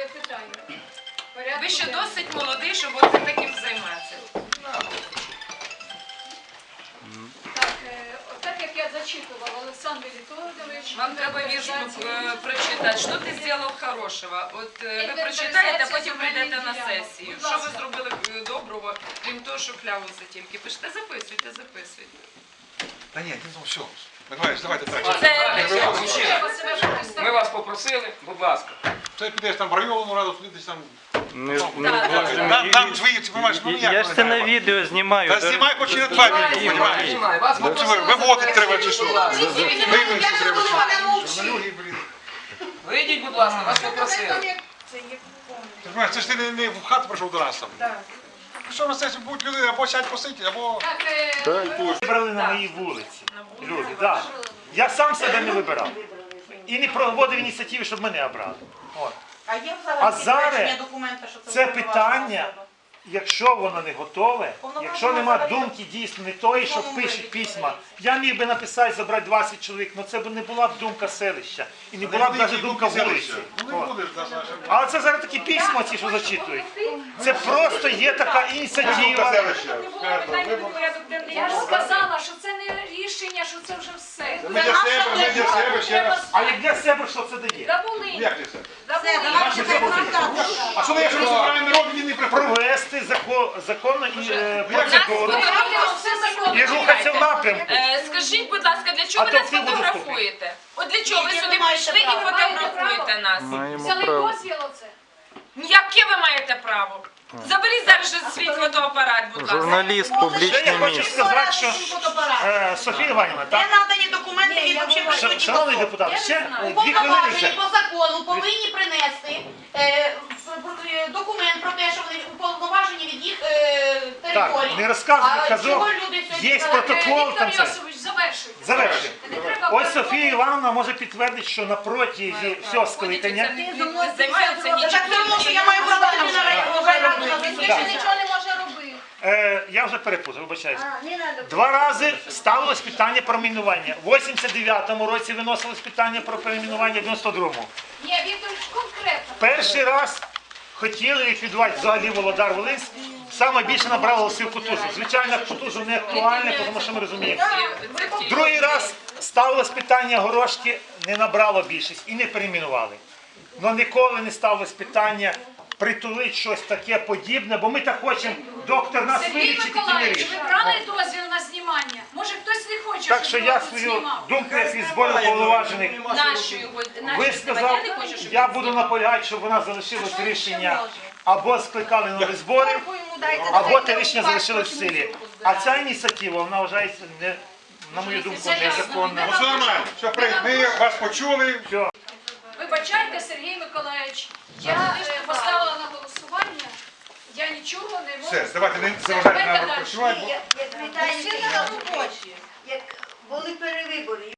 питання. Ви ще досить молодий, щоб оце таким займатися. Так як я зачитувала, Олександр Вітолодович... Вам треба вірш прочитати. Що ти зробив хорошого? От ви прочитаєте, а потім прийдете на сесію. Що ви зробили доброго, крім того, що клявуся тільки? Пишете, записуйте. Та ні, ну все. Миколаївич, давайте так. Ми вас попросили, будь ласка. Ти підеш там в районну раду, підеш там... Там свої, ти розумієш, ну ніяк. Я ж це на відео знімаю. Та знімай хоч і на 2 минути, розумієш? Вас попросили. Виводити треба чи що? Виводити треба. Вийдіть, будь ласка, вас попросили. Ти розумієш, це ж ти не в хату прийшов до нас там. Що на сесію будуть люди або сядь посидіти, або... Вибрали на моїй вулиці. Люди, так. Я сам себе не вибирав. І не проводив ініціативи, щоб мене обрали. От. А зараз це питання, якщо воно не готове, якщо нема думки дійсно не тої, що пишуть письма, я міг би написати, забрати 20 чоловік, але це б не була б думка селища. І не була б навіть думка вулиці. А це зараз такі письма, ці, що зачитують. Це просто є така ініціатива. Я ж сказала, що це не рішення, що це вже все. Ми для себе ще раз. А як для себе що це дає? Да були. Як для себе? Да А що ми, якщо ми збираємо народ, він не приходить? Провести законну процедуру і рухатися в напрямку. Скажіть, будь ласка, для чого ви нас фотографуєте? От для чого ви сюди прийшли і фотографуєте нас? Взяли дозвіл оце. Яке ви маєте право? Заберіть зараз же свій фотоапарат, будь ласка. Журналіст, Ще публічне я хочу місце. сказати, що Софія Іванівна, Не так? надані документи, які взагалі присутні. Шановний депутат, ще 2 хвилини. Уповноважені по закону повинні принести документ про те, що вони уповноважені від їх території. Так, не розказуй, А казав, чого люди сьогодні є протокол там Віктор це. Йосипович, завершуйте. Завершуємо. Не треба Ось Софія Івановна може підтвердити, що на протязі всього скликання Займаються Так нічим. це тому, що я маю право на райраду на Більше засідання. нічого не може робити. я вже перепутав, вибачаюсь. 2 рази ставилось питання про мінування. В 89-му році виносилось питання про перейменування, в 92-му. Ні, Вікторович, конкретно. Перший раз хотіли ліквідувати взагалі Володар-Волинськ. Саме більше набрало голосів Кутузов. Звичайно, Кутузов не актуальне, тому що ми розуміємо. Другий раз ставилось питання Горошки, не набрало більшість і не перейменували. Але ніколи не ставилось питання притулити щось таке подібне, бо ми так хочемо, доктор нас Сергій вилічить і не Миколаївич, вирішить. ви брали дозвіл на знімання? Може хтось не хоче, Так що щоб я його тут свою знімав? думку, як із збору повноважених, Нашою, висказав, я буду наполягати, щоб вона залишилось рішення або скликали нові збори, або те рішення залишилось в силі. А ця ініціатива, вона вважається, на мою думку, незаконна. Ну все нормально. Все, ми вас почули. Вибачайте, Сергій Миколаївич, я поставила на голосування, я нічого не можу. Все, давайте не Все, заважайте давайте нам далі. працювати. Як вітаєте на робочі, як були перевибори.